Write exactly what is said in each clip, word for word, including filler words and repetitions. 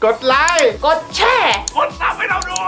กดไลค์กดแชร์กดซับให้เราด้วย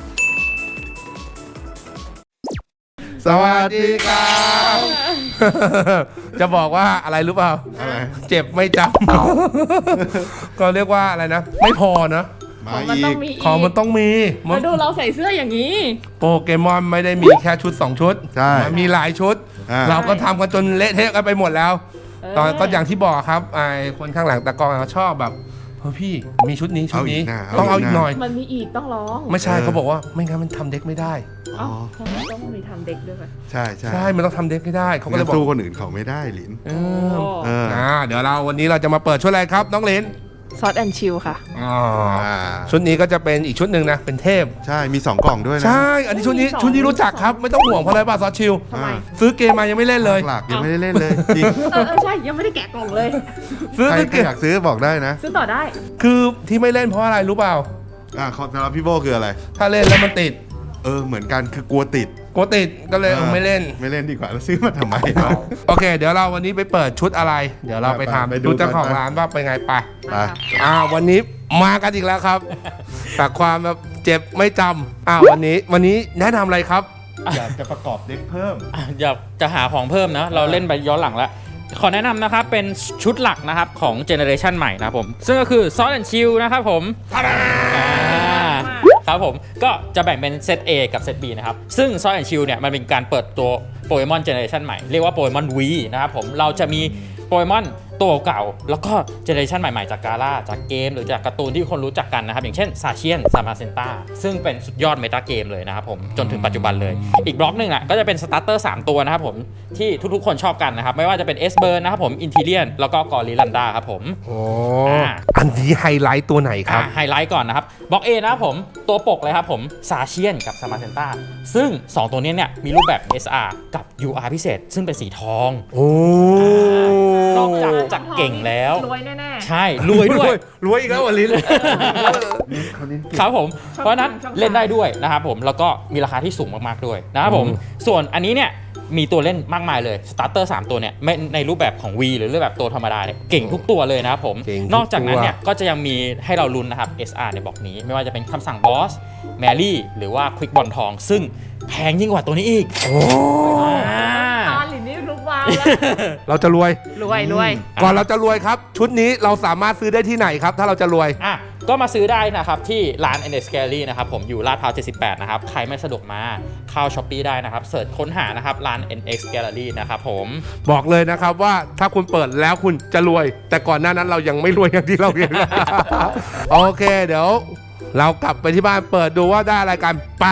สวัสดีครับจะบอกว่าอะไรรู้เปล่าอะไรเจ็บไม่จำ ก็เรียกว่าอะไรนะ ไม่พอนะมามันอีต้องกมีอีกของมันต้องมีมาดูเราใส่เสื้ออย่างนี้โปเกมอนไม่ได้มีแค่ชุด สอง ชุดใช่มันมีหลายชุดอ่าเราก็ทำกันจนเละเทะกันไปหมดแล้วเออตอนก็อย่างที่บอกครับไอ้คนข้างหลังตะกองเขาชอบแบบเฮ้ยพี่มีชุดนี้ชุดนี้เอาอีกนะต้องเอาเอาอีอีกกนะหน่อยมันมีอีกต้องร้องไม่ใช่เออเขาบอกว่าไม่งั้นมันทำเด็กไม่ได้เอ้าทำไมต้องมีทำเด็กด้วยใช่ใช่ใช่มันต้องทำเด็กให้ได้เขาก็เลยงั้นบอกสู้คนอื่นเขาไม่ได้หลินเอโอ้อเอออ่าเดี๋ยวเราวันนี้เราจะมาเปิดชุดอะไรครับน้องเลนซอสแอนชิลค่ะอ๋ออ่าชุดนี้ก็จะเป็นอีกชุดหนึ่งนะเป็นเทพใช่มีสองกล่องด้วยนะใช่ อันนี้ชุดนี้มีสองชุดนี้รู้จักครับ ไม่ต้องห่วงเพราะอะไรป่ะซอสชิลทำไมซื้อเกมมายังไม่เล่นเลยหลักยังไม่ได้เล่นเลยจริงเออเออใช่ยังไม่ได้แกะกล่องเลยซื้อใครซื้อใครเกมอยากซื้อบอกได้นะซื้อต่อได้คือที่ไม่เล่นเพราะอะไรรู้เปล่าอ่าสำหรับพี่โบคืออะไรถ้าเล่นแล้วมันติดเออเหมือนกันคือกลัวติดกลัวติดก็เลยเออไม่เล่นไม่เล่นดีกว่าแล้วซื้อมาทำไมโอเค เดี๋ยวเราวันนี้ไปเปิดชุดอะไร เดี๋ยวเราไปไปถามไปดูดูเจ้าของกันร้านว่าเป็นไงไปไปอ่าวันนี้มากันอีกแล้วครับ แต่ความแบบเจ็บไม่จำอ่าวันนี้วันนี้แนะนำอะไรครับอยากจะประกอบเด็กเพิ่มอ่ะอยากจะหาของเพิ่มนะ เราเล่นไปย้อนหลังแล้ว ขอแนะนำนะครับ เป็นชุดหลักนะครับของเจเนอเรชันใหม่นะครับผม ซึ่งก็คือ Sword and Shield นะครับผมอ่าครับผม ก็จะแบ่งเป็นเซต A กับเซต B นะครับ ซึ่ง Sword and Shield เนี่ยมันเป็นการเปิดตัวโปเกมอนเจเนอเรชันใหม่ เรียกว่าโปเกมอน V นะครับผม เราจะมีโปเกมอนตัวเก่า แล้วก็เจเนอเรชันใหม่ๆจากกาล่าจากเกมหรือจากการ์ตูนที่คนรู้จักกันนะครับ อย่างเช่นซาเชียนซามาเซนต้าซึ่งเป็นสุดยอดเมตาเกมเลยนะครับผมจนถึงปัจจุบันเลย อีกบล็อกหนึ่งอ่ะก็จะเป็นสตาร์เตอร์สามตัวนะครับผมที่ทุกๆคนชอบกันนะครับ ไม่ว่าจะเป็นเอสเบิร์นนะครับผมอินทิเลียนแล้วก็กอริลันดาครับผมโอ้อ่าอันนี้ไฮไลท์ตัวไหนครับไฮไลท์ก่อนนะครับบล็อก A นะครับผมตัวปกเลยครับผมซาเชียนกับซามาเซนต้าซึ่งสองตัวนี้เนี่ยมีรูปแบบ เอส อาร์ กับ ยู อาร์ พิเศษ ซึ่งเป็นสีทองโอ้นอกจากจะเก่งแล้วรวยแน่ใช่รวยด้วยรวยอีกแล้วอ่ะลิ้นเขาเน้นเก่งครับผมชอบเพราะฉะนั้นชอบเล่นได้ด้วยนะครับผมแล้วก็มีราคาที่สูงมากๆด้วยนะครับผมอืมส่วนอันนี้เนี่ยมีตัวเล่นมากมายเลยสตาร์เตอร์สามตัวเนี่ยไม่ในรูปแบบของ V หรือรูปแบบตัวธรรมดาเนี่ยเก่งทุกตัวเลยนะครับผมเก่งทุกตัวนอกจากนั้นเนี่ยก็จะยังมีให้เราลุ้นนะครับ เอส อาร์ ในบล็อกนี้ไม่ว่าจะเป็นคำสั่งบอสแมรี่หรือว่าควิกบอลทอง ซึ่งแพงยิ่งกว่าตัวนี้อีกโอ้อ่าๆตอนหลินนี่ลุกวาวแล้วเราจะรวยรวยรวยก่อนเราจะรวยครับ ชุดนี้เราสามารถซื้อได้ที่ไหนครับ ถ้าเราจะรวยอ่ะก็มาซื้อได้นะครับที่ร้าน เอ็น เอ็กซ์ Gallery นะครับผมอยู่ลาดพร้าวเจ็ดสิบแปดนะครับใครไม่สะดวกมาเข้า Shopee ได้นะครับเสิร์ชค้นหานะครับร้าน เอ็น เอ็กซ์ Gallery นะครับผมบอกเลยนะครับว่าถ้าคุณเปิดแล้วคุณจะรวย แต่ก่อนหน้านั้นเรายังไม่รวยอย่างที่เราเห็น โอเค เดี๋ยว เรากลับไปที่บ้านเปิดดูว่าได้อะไรกันไป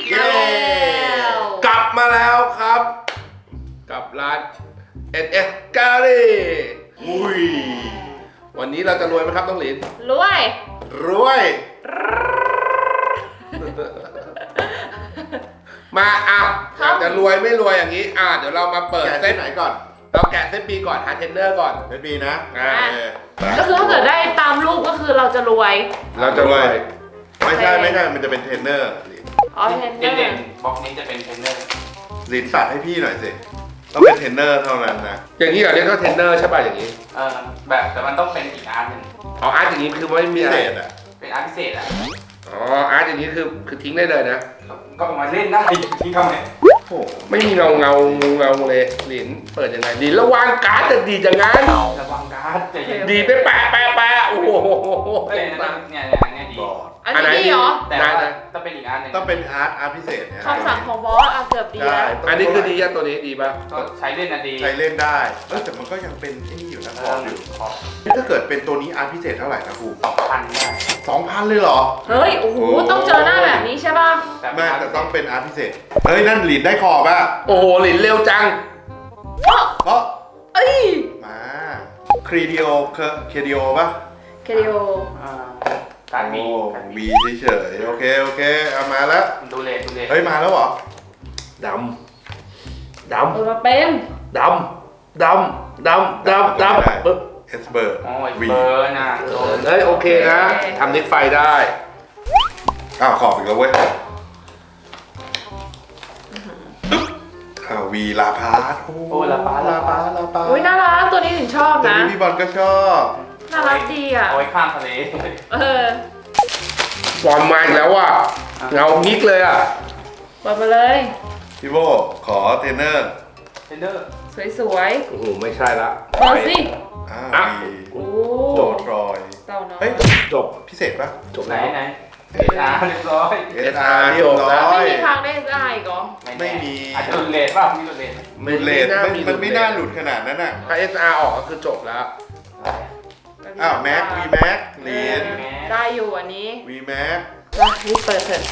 กลับมาแล้วครับ กับร้าน เอ็น เอ็กซ์ Gallery อุ้ยวันนี้เราจะรวยไหมครับน้องหลินรวยรวย มาอ่ะอยากจะรวยไม่รวยอย่างนี้ อ่ะเดี๋ยวเรามาเปิดแกะเซเส้ตนไหนก่อนเราแกะเซตปีก่อนหาเทรนเนอร์ก่อนเส้นบีนะอ่าก็คือถ้าเกิดได้ตามรูปก็คือเราจะรวยเราจะรวยไม่ใช่ไม่ใช่มันจะเป็นเทรนเนอร์หลินอ๋อเทรนเนอร์เด่นๆบล็อกนี้จะเป็นเทรนเนอร์หลินตัดให้พี่หน่อยสิต้องเป็นเทรนเนอร์เท่านั้นนะอย่างนี้เหรอเรียกว่าเทรนเนอร์ใช่ป่ะอย่างนี้เออแบบแต่มันต้องเป็นอีกอาร์ตหนึ่งอ๋ออาร์ตอย่างนี้คือไม่มีพิอะไรเศษอ่ะเป็นอาร์ตพิเศษอ่ะอ๋ออาร์ตอย่างนี้คือคือทิ้งได้เลยนะก็มาเล่นได้ที่ทำไงโอ้ไม่มีเงาเงาเงาเลยหลินเปิดยังไงดีระวังการ์ดจะดีจังงั้นระวังการ์ดใจเย็นดีไปแปะแปะแปะโอ้โหเอ้ยเนี่ยเนี่ยเนี่ยดีบอดอันนี้ดีเหรอแต่ว่าต้องเป็นอีกอาร์ตหนึ่งต้องเป็นอาร์ตอาร์ตพิเศษเนี่ยคำสั่งของบอสอ่ะเกือบดีใช่แล้วอันนี้คือดีอะตัวนี้ดีป่ะก็ใช้เล่นนะดีใช้เล่นได้เออแต่มันก็ยังเป็นไอ้นี่อยู่นะเอขอองอยู่ขอถ้าเกิดเป็นตัวนี้อาร์ตพิเศษเท่าไหร่นะครูสองพันได้สองพันเลยเหรอเฮ้ย โอ้โห ต้องเจอหน้าแบบนี้ใช่ป่ะไม่แต่ต้องเป็นอาร์ตพิเศษเฮ้ยนั่นหลินได้ขอบอ่ะโอ้โหหลินเร็วจังเพราะเอ้ยมาครีดิโอเคดีโอป่ะเคดิโออ่าการมีโอ้การมีบีเฉยๆโอเคโอเคเอามาแล้วดูเลดูเลเฮ้ยมาแล้วเหรอดำ ดเออมาเป็นำ ดำ ดำ ดำ ดำ ดำปึ๊บเอสเบอร์โอ้ยเบอร์น่ะโดนเฮ้ยโอเคนะทำนิกไฟได้อ้าวขอบอีกแล้วเว้ยอ้าววีลาพาร์ทโอ้ละป้าลาละพาป้าร์ทลาพาร์ทอุ้ยน่ารักตัวนี้ถึงชอบตัวนะนี้พี่บอลก็ชอบน่ารักดีอ่ะเอาไว้ข้ามทะเลเออบอลมาอีกแล้วว่ะเงางิกเลยอ่ะเปิดมาเลยพี่โบขอเทรนเนอร์เทนเดอร์สวยโอ้โหไม่ใช่ละๆเปิดสิอ่าอ่ะวีโอ้โจทรอยเต่าน้อยเฮ้ยจบพิเศษปะจบไหนแล้วไหนเอสอาร์เรียบร้อยเอสอาร์เรียบร้อยไม่มีทางได้ได้อีกเหรอไม่มีอาจจะหลุดเลทป่ะมีหลุดเลทหลุดเลทมันมันไม่น่าหลุดขนาดนั้นอ่ะถ้า เอส อาร์ ออกก็คือจบแล้วอ้าวแม็กวีแม็กเลนเออได้อยู่อันนี้วีแม็กมารีบเปิดเถอะ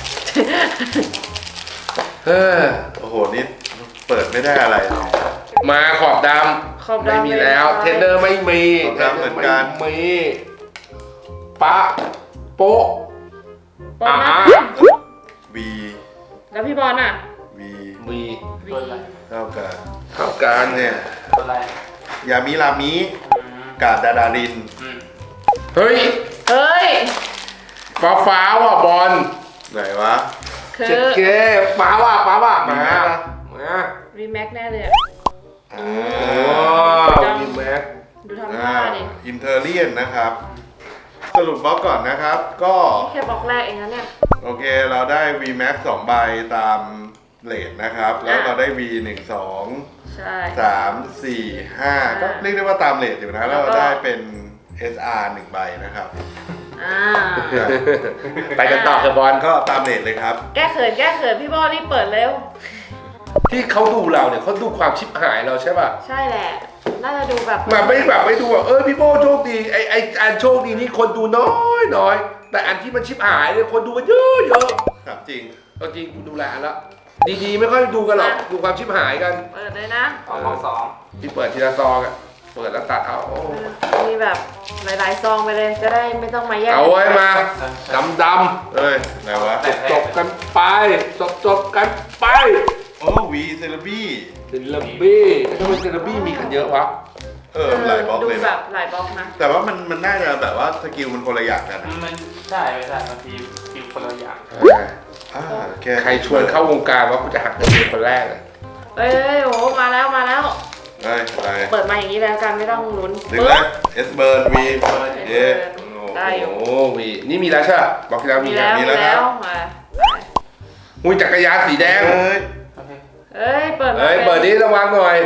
เฮ้อโอ้โหนี่เปิดไม่ได้อะไรเลยมาขอบดขอบำดำไม่มีแล้วไม่ได้เทนเดอร์ไม่มีขอบดำเหมือนกันไม่มีปะโป๊ะบอลนะอ่าวีแล้วพี่บอลอ่ะวีมีวีตัวอะไรเท่ากับเท่ากันเนี่ยตัวอะไรยามิรามิอืมกาดดาดารินอืมเฮ้ยเฮ้ยฟ้าฟ้าว่ะบอลไหนวะคืเจ็ดอเกฟ้าว่ะฟ้าว่ะมีมาแม็กปะมารีแม็กแน่เลยอะอ่โอ้ามีแม็กดูทำท่าดิอินเทอร์เลียนนะครับ สรุปบล็อกก่อนนะครับ ก็นี่แค่บล็อกแรกเองนะเนี่ยโอเคเราได้ V Max สองใบตามเลทนะครับ แล้วเราได้ V หนึ่ง สองใช่สามสี่ห้าก็เรียกได้ว่าตามเลทอยู่นะ แล้วเราได้เป็น เอส อาร์ หนึ่งใบนะครับอ่าไปกันต่อเถอะบอลก็ตามเลทเลยครับแก้เขินแก้เขินพี่บอลรีบเปิดเร็วที่เขาดูเราเนี่ยเขาดูความชิบหายเราใช่ป่ะใช่แหละ น่าจะดูแบบแบบไม่แบบไม่ดูว่าเออพี่โบโชคดีไอไออันโชคดีนี่คนดูน้อยน้อยแต่อันที่มันชิบหายเนี่ยคนดูมันเยอะเยอะครับจริงเอาจริงกูดูแลอันละดีๆไม่ค่อยดูกันหรอกดูความชิบหายกันเปิดเลยนะสองสองสองที่เปิดทีละซองอ่ะเปิดแล้วตัดเอาโอ้มีแบบหลายๆซองไปเลย จะได้ไม่ต้องมาแยกเอาไว้มาดำดเอ้ยไหนวะำจบกันไปจบจบกันไปโอ้วีเซเลบี้เซเลบี้ทำไมเซเลบี้มีกันเยอะวะเออหลายบล็อกดูเลยแบนะบหลายบล็อกนะแต่ว่ามันมันน่าจะแบบว่าสกิลมันคนละอย่างกันนะมันได้ไม่ได้บางทีฟิลคนละอย่างอ่าแใครชวนเข้าวงการว่ากูจะหักเงินเดือนคนแรกเลยเอ้ยโอ้มาแล้วมาแล้วเฮ้ยอะไรเปิดมาอย่างนี้แล้วกันไม่ต้องลุ้นดึงนะเอสเบิร์นวีเย่ได้อยู่โอ้วีนี่มีแล้วใช่ปะบอกที่แล้วมีมีนะแล้วมีมีแล้วแล้วครับมาอุ้ยจักรยานสีแดงเฮ้ยโอเคเอ้ยเปิดมาเฮ้ยเปิดนี้ระวังหน่อย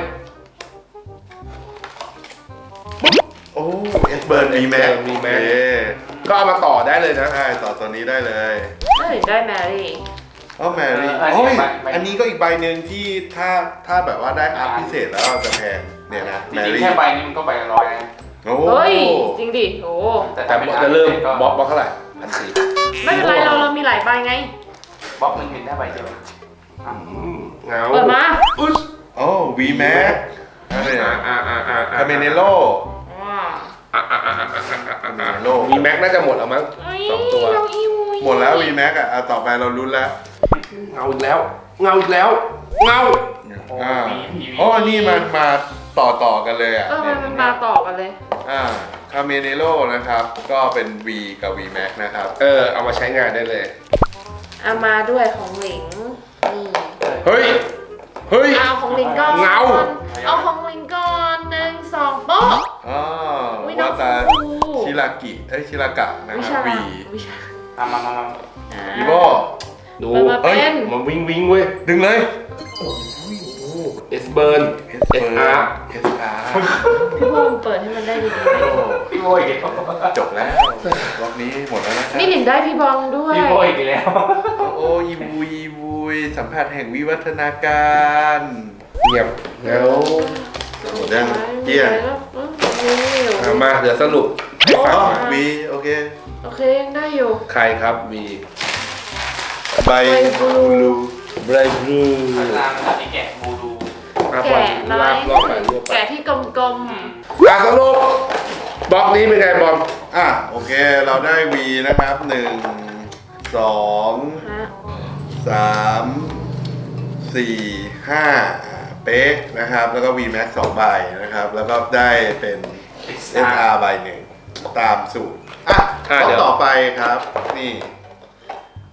โอ้เอสเบิร์นวีแม็ก V Max ก็เอามาต่อได้เลยนะใช่ต่อตัวนี้ได้เลยเอ้ยได้แมรี่อ๋อแมรี่โอ้ยอันนี้ก็อีกใบหนึ่งที่ถ้าถ้าแบบว่าได้อัพพิเศษแล้วจะแพงเนี่ยนะจแมริงๆรี่แค่ใบนี้มันก็ใบละร้อยนะโอ้เฮ้ยจริงดิโอ้แต่ถ้าเป็นจะเริ่มก็บล็อกบล็อกเท่าไหร่พันสี่ไม่เป็นไรเราเรามีหลายใบไงบล็อกหนึ่งเห็นได้ใบเดียวเงาเปิดมาอุ๊ยโอ้วีแม็กอะไรอ่านะอ่าอ่าอ่าคาเมเนโลว้าอ่าอ่าอ่าอ่าอ่าอ่าโลมีแม็กน่าจะหมดแล้วมั้งเอ้ยสองตัวเราอีวุยหมดแล้ววีแม็กอ่ะอ่ะต่อไปเราลุ้นแล้วเงาอีกแล้ว เงาอีกแล้ว เงาอ่าโอ้นี่มันมาต่อต่อกันเลยอ่ะเออมันมันมาต่อกันเลยอ่าคาเมเนโลนะครับ ก็เป็น V กับ V Max นะครับเออเอามาใช้งานได้เลยเอามาด้วยของหลิงนี่เฮ้ย เฮ้ยเอาของหลิงก่อนเงาเอาของหลิงก่อนหนึ่งสองโป๊ะอ๋ออุ๊ยน้อวาง ตาฟูฟูชิรากิเอ้ยชิรากะนะวิคชารับ V วิชามามามามาอ่าอีโบดูเปิดมาเป็นมันวิ่งวิ่งเว้ยดึงเลยเอสเบิร์น S เอสอาร์ S R พี่พงษ์เปิดให้มันได้ดีๆไหมพี่โบยอีกแล้วจบแล้วรอบนี้หมดแล้วนะครับนี่หลิงได้พี่บองด้วยพี่โบยอีกแล้วโอ้อีวุยอีวุยสัมผัสแห่งวิวัฒนาการเงียบเงาหมดยังเกลี้ยงเอามาเดี๋ยวสรุปให้ฟังอ๋อนะ V โอเคโอเคยังได้อยู่ใครครับวีใบใบบลูไบรบลูข้างล่างมันมีแกะบูดูอาบอแกะลน้อลาย บรอบไปรวบไปแกะที่กลมอ่ะสรุปบล็อกนี้เป็นไงบอมอ่ะโอเคเราได้ V นะครับหนึ่งสองๆฮะสามสี่ห้าเป๊ะนะครับ แล้วก็ V Max สองใบนะครับ แล้วก็ได้เป็น S R ใบหนึ่งตามสูตร อ่ะอ่ะก็เดี๋ยวต่อไปครับ นี่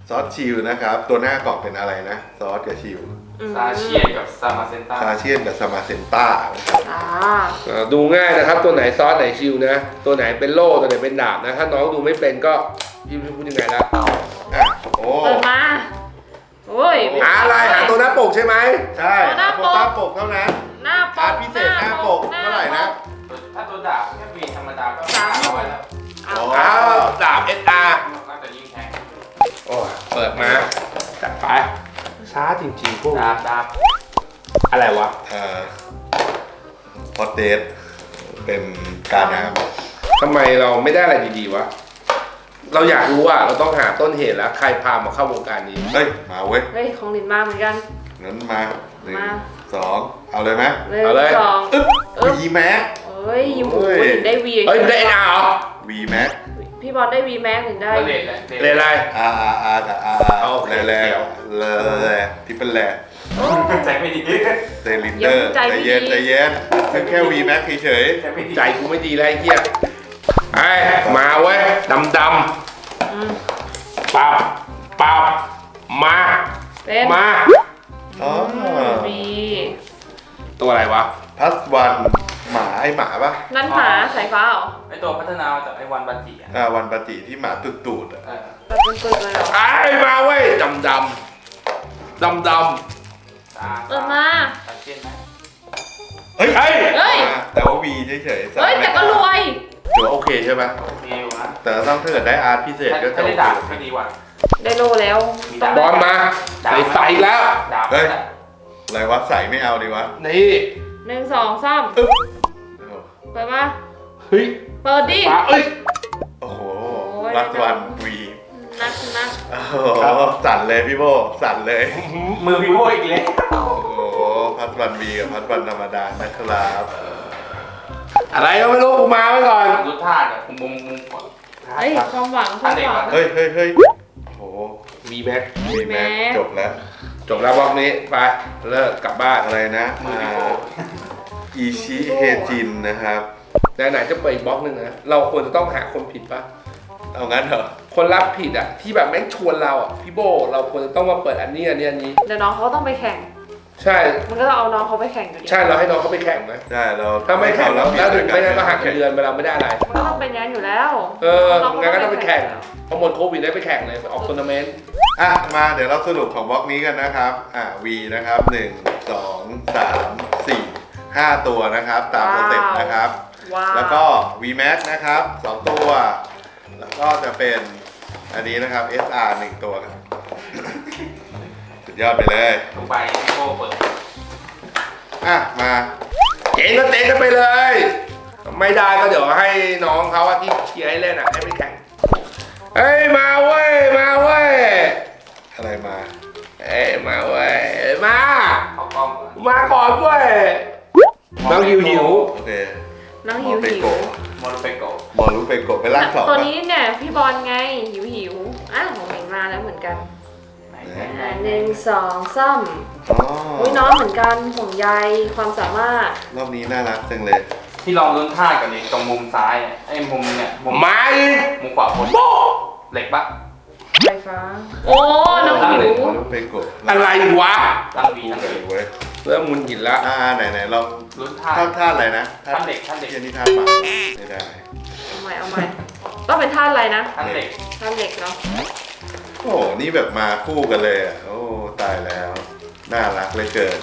ซอสชิลนะครับ ตัวหน้ากล่องเป็นอะไรนะ ซอสกับชิลอืมซาเชียนกับซามาเซนต้าคาเชียนกับสมาเซนต้านะครับอ่าอ่าดูง่ายนะครับตัวไหนซอสไหนชิลนะ ตัวไหนเป็นโล่ตัวไหนเป็นดาบนะ ถ้าน้องดูไม่เป็นก็พี่พูดยังไงล่ะอ่ะโอ้เปิดมาโอ้ยหาอะไรหาตัวหน้าปกใช่ไหมใช่ตัวหน้าโคปกต้าปกเท่านั้นหน้าปอาร์กตพิเศษหน้าปกเท่าไหร่นะถ้าตัวดาบแค่วีธรรมดาก็สามเอาไว้แล้วเอาอ้าวดาบเอสอาร์น่าจะยิ่งแข็งโอ้ยเปิดมาจัดไปช้าจริงๆพวกดาบดาบอะไรวะเอ่อพอตเดทเป็นการน้ำทำไมเราไม่ได้อะไรดีๆวะ เราอยากรู้ว่าเราต้องหาต้นเหตุแล้วใครพามาเข้าวงการนี้เฮ้ย มาเว้ยเฮ้ยของหลินมาเหมือนกันงั้นมาหนึ่งมาสองเอาเลยไหมหนึ่งเอาเลยสองอึ๊บอึ๊บวีแม็กเอ้ยยูหูโอ้ยหลินได้วีเฮ้ยไม่ได้เอ็นอาร์เหรอวีแม็กพี่บอลได้วีแม็กหลินได้ก็เลดแหละเรนอะไรอาร์อาร์อาร์กับอาร์เอาโอเคแร่เดี๋ยวแร่แร่ที่เป็นแร่โอ้ใจไม่ดีเซลินเดอร์ใจไม่ดีเย็นใจเย็นคือแค่วีแม็กเฉยใจไม่ดีใจกูไม่ดีแล้วไอ้เหี้ยไอ้มาเว้ยดำดอืมำปับปับมาเป็นมาๆอ๋อวีตัวอะไรวะพัสวันหมาไอหมาปะนั่นหมาสายฟ้าเหรอไอตัวพัฒนามาจากไอวันบันจิอ่ะอ่าวันปฏิที่หมาตุดตูดๆอะเออแบบเป็นตัวเลยเหรอไอ้มาเว้ยดำดำดำดตาเปิดมาซาเชียนไหมเฮ้ยเฮ้ยเฮ้ยอ่าแต่ว่าวีเฉยๆเฮ้ยแต่ก็รวยถือว่าโอเคใช่ปะโอเคอยู่นะแต่ต้องถ้าเกิดได้อาร์ตพิเศษก็ถ้าจะได้โอดาบเคก็ดีกว่าได้โลแล้วต้องำบอลมาใส่ใส่แล้วดาบเฮ้ย อะไรวะใส่ไม่เอาดีวะนี่หนึ่งสองสามอึ๊บเปิดมาเฮ้ยเปิดดิปาเอ้ยโอ้โหโอ้ยรัสวันวีนักนักโอ้โหสั่นเลยพี่โบสั่นเลยมือพี่โบอีกเลยโอ้โหพัดวันวีกับพัดวันธรรมดานะครับอะไรก็ไม่รู้กูมาไว้ก่อนดูท่าแบบมุมมุมก่อนเฮ้ยความหวังความหวังเฮ้ยเฮ้ยเฮ้ยโอ้โหมีแม็กวีแม็กแม็กจบแล้วจบแล้วบล็อกนี้ไปเลิกกลับบ้านอะไรนะมือพี่โบอิชิเฮจินนะครับไหนๆจะเปิดอีกบล็อกหนึ่งนะเราควรจะต้องหาคนผิดปะเอางั้นเหรอคนรับผิดอ่ะที่แบบแม่งชวนเราอ่ะพี่โบเราควรจะต้องมาเปิดอันนี้อันนี้อันนี้เดี๋ยวน้องเขาต้องไปแข่งใช่มันก็ต้องเอาน้องเขาไปแข่งอยู่ดีใช่เราให้น้องเขาไปแข่งไหมใช่เราถ้าไม่แข่งเราแล้วแล้วถึงไม่ได้ก็หักเงินเดือนไปเราไม่ได้อะไรมันก็ต้องเป็นงานอยู่แล้วเอองั้นก็ต้องไปแข่งพอหมดโควิดได้ไปแข่งเลยไปออกทัวร์นาเมนต์อ่ะมาเดี๋ยวเราสรุปของบล็อกนี้กันนะครับอ่ะ V นะครับหนึ่งสองสามสี่ห้าตัวนะครับ ตามสเต็ปนะครับว้าวแล้วก็ V Max นะครับสองตัว แล้วก็จะเป็นอันนี้นะครับ เอส อาร์ หนึ่งตัวครับ สุดยอดไปเลยลงไปพี่โบเปิดอ่ะ มาเจ๊งก็เจ๊งกันไปเลย ไม่ได้ก็เดี๋ยวให้น้องเขาอะที่เชียร์ให้เล่นอ่ะให้ไปแข่งเฮ้ยมาเว้ยมาเว้ยอะไรมาเอ้ยมาเว้ยมาเข้ากล้องก่อนมาก่อนเว้ยน้องหิวหิวโอเคน้องหิวมอเปหิโกวโมโนเปโกะบอลลูเปโกไปล่างสองตัวปะนี้เนี่ยพี่บอลไงหิวหิวอ้าวของเห็นมาแล้วเหมือนกันไหนอ่าหนึ่งสองสามอ๋ออุ้ยน้องเหมือนกันห่วงใยความสามารถรอบนี้น่ารักจังเลยที่ลองลุ้นท่ากันดิตรงมุมซ้ายอ่ะไอ้มุมเนี่ยมุมมาอีกมุมขวาบนโบเหล็กปะไฟฟ้า โอ้ น้องหิวบอลลูเปโกอะไรวะตั้งวีทั้งเลวียเว้ยเริ่มมุนหินละอ่าไหนไหนๆลองลุ้นท่าท่าท่าอะไรนะท่าเหล็กท่าเหล็กเทียนนี่ท่าหมาไม่ได้เอาใหม่เอาใหม่ต้องเป็นท่าอะไรนะท่าเหล็กท่าเหล็กเนาะโอ้โหนี่แบบมาคู่กันเลยอ่ะ โอ้ ตายแล้ว น่ารักเหลยเกิน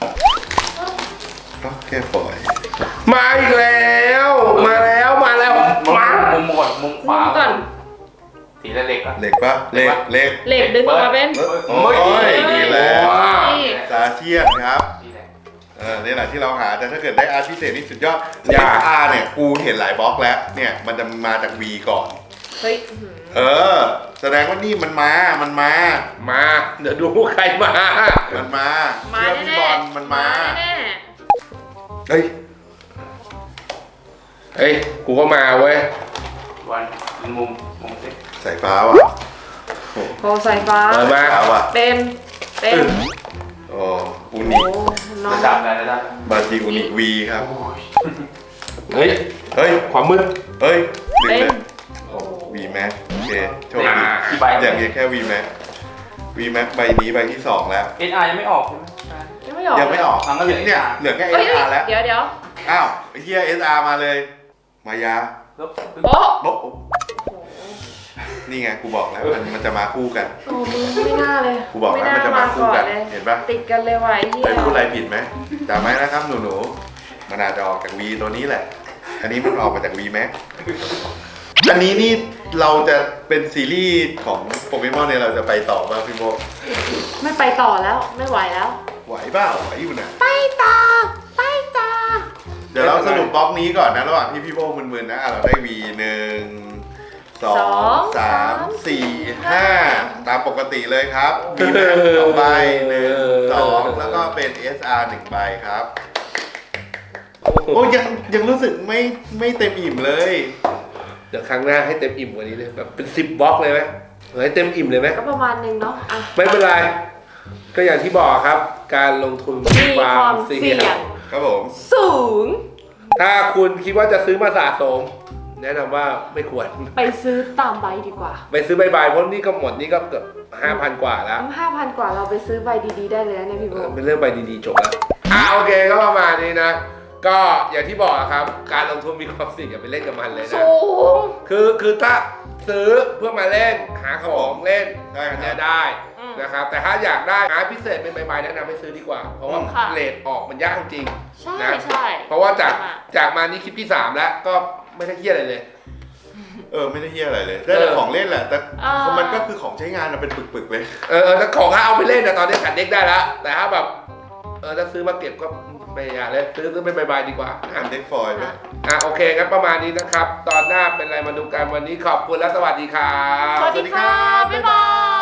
ก็แค่ปล่อยมาอีกแล้ว มาแล้วมาแล้วมุมมามุมก่อนมุมขมุวามก่อนสีเหล็กอ่ะเหล็กปะเหล็กเหล็กเหล็กดึงออกมาเป็นโอ้ยดีแล้วนี่ตาเชียนครับนี่แหละเออนี่แหละที่เราหา แต่ถ้าเกิดได้อาร์ตพิเศษนี่สุดยอด เอส อาร์ เนี่ย กูเห็นหลายบล็อกแล้ว เนี่ย มันจะมาจาก V ก่อนเฮ้ยอื้อหือเออ แสดงว่านี่มันมา มันมามา เดี๋ยวดูใครมามันมามาเชื่อพี่แน่บอลมันมาแน่เฮ้ยเฮ้ย กูก็มาเว้ยวันมุมมุมสิสายฟ้าว่ะโพสายฟ้าเปิดมาฟ้าว่ะเป็นเป็นโอ้อูโอ้นิน้องระดับอะไรระดับบาจิอูนิวีครับเฮ้ยเฮ้ยความมืดเฮ้ยดึงเป็นเลยโอ้ V Max โอเค โชคดีกี่ใบอย่างนี้แค่ V Max ใ V Max ใบนี้ใบที่สองแล้วเอสอาร์ยังไม่ออกใช่ไหมยังไม่ออกยังไม่ออกอ่ะงั้นเหลือเนี่ยเอสอาร์เหลือแค่เอ้ยเอสอาร์ แล้วเดี๋ยวเดี๋ยวอ้าวไอ้เฮีย เอสอาร์ มาเลย มายาแล้วโป๊ะโบ๊ะนี่ไงกูบอกแล้วมันมันจะมาคู่กันโอ้มึงไม่น่าเลยกูบอกแล้วมันจะมาคู่กันเลยเห็นปะติดกันเลยว่ะไอ้เหี้ยไปพูดอะไรผิดไหมจำไว้นะครับหนูหนูๆมันอาจจะออกจาก V ตัวนี้แหละ อันนี้มันออกมาจาก V Max อันนี้นี่เราจะเป็นซีรีส์ของโปเกมอนเนี่ยเราจะไปต่อป่ะพี่โบไม่ไปต่อแล้วไม่ไหวแล้วไหวเปล่าไหวอยู่นะไปต่อไปต่อเดี๋ยวเราสรุปบล็อกนี้ก่อนนะระหว่างที่พี่โบมึนๆนะอ่ะเราได้ V หนึ่งสองสามสี่ห้าตามปกติเลยครับ V Max สองใบหนึ่งสองแล้วก็เป็น เอส อาร์ หนึ่งใบครับโอ้ยังยังรู้สึกไม่ไม่เต็มอิ่มเลยเดี๋ยวครั้งหน้าให้เต็มอิ่มกว่านี้เลยแบบเป็นสิบบล็อกเลยไหมให้เต็มอิ่มเลยไหมก็ประมาณนึงเนาะอ่ะไม่เป็นไร ก็อย่างที่บอกครับ การลงทุนมีความเสี่ยงครับผมสูงถ้าคุณคิดว่าจะซื้อมาสะสม แนะนำว่าไม่ควรไปซื้อตามใบดีกว่าไปซื้อใบๆเพราะนี่ก็หมดนี่ก็เกือบห้าพันกว่าแล้วห้าพันกว่าเราไปซื้อใบดีๆได้เลยนะเนี่ยพี่โบเออเป็นเรื่องใบดีๆจบแล้วอ่าโอเคก็ประมาณนี้นะ ก็อย่างที่บอกครับ การลงทุนมีความเสี่ยงอย่าไปเล่นกับมันเลยนะสูงคือคือถ้าซื้อเพื่อมาเล่นหาของเล่นได้ครับอันเนี้ยได้อืมนะครับ แต่ถ้าอยากได้หาพิเศษเป็นใบๆแนะนำให้ซื้อดีกว่า เพราะว่าค่ะเรทออกมันยากจริงใช่นะใช่เพราะว่าจากอ่ะจากมานี่คลิปที่สามแล้วก็ไม่ได้เฮี้ยอะไรเลยเออไม่ได้เฮียอะไรเลย ได้แต่ของเล่นแหละ แต่อ่ามันก็คือของใช้งานอะเป็นปึกๆเลยเออเออถ้าของถ้าเอาไปเล่นนะตอนนี้จัดเด็กได้แล้วแต่ถ้าแบบเออถ้าซื้อมาเก็บก็ไม่อยากเลยซื้อซื้อเป็นใบๆดีกว่าทำเด็กฟอยล์ไหมอ่ะโอเคงั้นประมาณนี้นะครับ ตอนหน้าเป็นอะไรมาดูกันวันนี้ขอบคุณและสวัสดีครับสวัสดีค่ะ บ๊ายบาย